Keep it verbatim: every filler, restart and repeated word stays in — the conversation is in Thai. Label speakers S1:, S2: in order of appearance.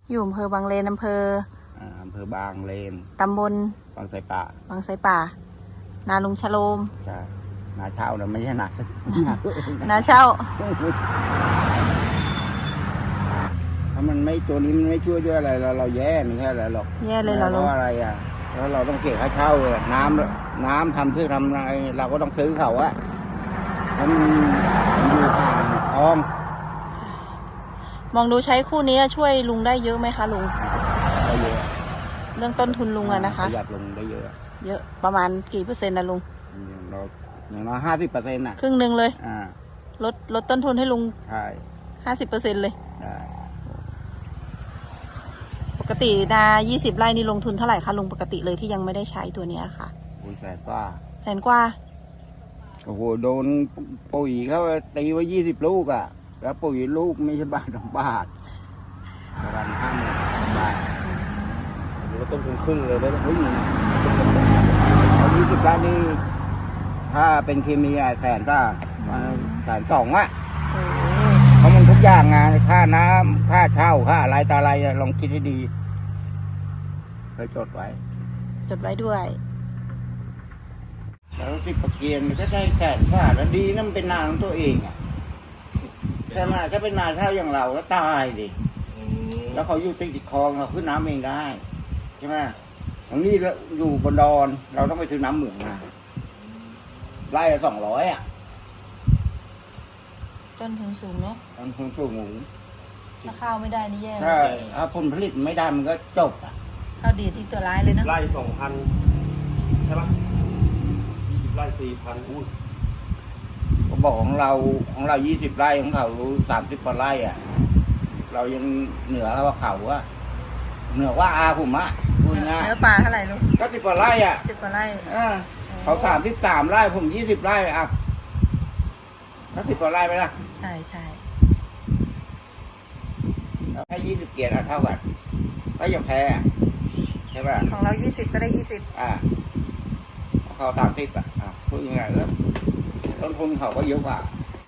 S1: อยู่อำเภอบางเลนอำเภอ
S2: อ่าอำเภอบางเลน
S1: ตำบล
S2: บางไทรป่า
S1: บางไทรป่านาลุงชโลม
S2: ใช่นาเช่านะไม่ใช่นา
S1: นาเช่า
S2: ถ้ามันไม่ตัวนี้มันไม่ช่วยด้วยอะไรเราเราแย่ไม่ใช่อะไรหรอก
S1: แย่เลยเหรอ
S2: เพ
S1: ลุง
S2: ราะอะไรอ่ะแล้วเราต้องเก็บค่าเช่าเลยน้ำน้ำทำเพื่อทำอะไรเราก็ต้องซื้อเขาอะแล้วมันอยู่ห่างคลอง
S1: มองดูใช้คู่นี้ช่วยลุงได้เยอะไหมคะลุง
S2: ได้เยอะ
S1: เรื่องต้นทุนลุงอะนะคะ
S2: ประหยัดลงได้เยอะ
S1: เยอะประมาณกี่เปอร์เซ็นต์นะลุง
S2: อย่างเราอย่างน้อยห้าสิบเปอร์เซ็นต์น่ะ
S1: ครึ่งหนึ่งเลย
S2: อ่า
S1: ลดลดต้นทุนให้ลุง
S2: ใช่
S1: ห้าสิบเปอร์เซ็นต์เลย
S2: ได้
S1: ปกตินายี่สิบไร่นี่ลงทุนเท่าไหร่คะลุงปกติเลยที่ยังไม่ได้ใช้ตัวเนี้ยค่ะ
S2: ปุ๋ยแสนกว่า
S1: แสนกว่า
S2: โอ้โหโดนปุ๋ยเขาตีไว้ยี่สิบลูกอ่ะแล้วปุ๋ยลูกไม่ใช่บาทสองบาทประมาณห้าหมื่นบาท
S3: หรือว่าต้นทุนครึ่งเลยได้ไหม
S2: เฮ้ยเอายี่สิบล้านนี่ถ้าเป็นเคมีอะแสนก็แสนสองอ่ะ
S1: โอ้
S2: เพราะมันทุกอย่างไงค่าน้ำค่าเช่าค่าอะไรตาอะไรอะลองคิดให้ดีเคยจดไว้
S1: จดไว้ด้วย
S2: แล้วที่ประเกียนมันก็ได้แสนกว่าแล้วดีนั่นมันเป็นนาของตัวเองอ่ะใช่ไหมถ้าเป็นนาเช่าอย่างเราก็ตายดิแล้วเขาอยู่ติดคลองเขาขึ้นน้ำเองได้ใช่ไหมทางนี้เราอยู่บนดอนเราต้องไปซื้อน้ำเหมืองมาไล่สองร้อยอ่ะ
S1: ต้นทุนสูงเนาะ
S2: ทางคุณสูงหมู
S1: ถ้าข้าวไม่ได้นี่แย่
S2: ถ้าถ้าผลผลิตไม่ได้มันก็จบอ่ะ
S1: ข้าวดีดที่ตัวร้ายเลยนะ
S3: ไร่สองพันใช่ปะยี่สิบไร่สี่พันอุ้ย
S2: ก็บอกของเราของเรายี่สิบไร่ของเขาสามสิบกว่าไร่อ่ะเรายังเหนือเขาว่าเขาอะเหนือว่าอาผมอะพูดง่าย
S1: เนื้อปลาเท่าไหร่ลุง
S2: ก็สิบกว่าไร่อ่ะ
S1: สิบกว่าไร่
S2: เออเขาสามสิบสามไร่ผมยี่สิบไร่อ่ะก็สิบกว่าไร่ไปละ
S1: ใช่ใช่
S2: ให้ยี่สิบเกียรติอะเท่ากันก็ยังแพ้อะใช่ป่ะ
S1: ของเรายี่สิบก็ได้ยี่สิบ
S2: อ่าเขาสามสิบอ่ะอ่ะพูดยังไงก็ต้นทุนเขาก็เยอะกว่า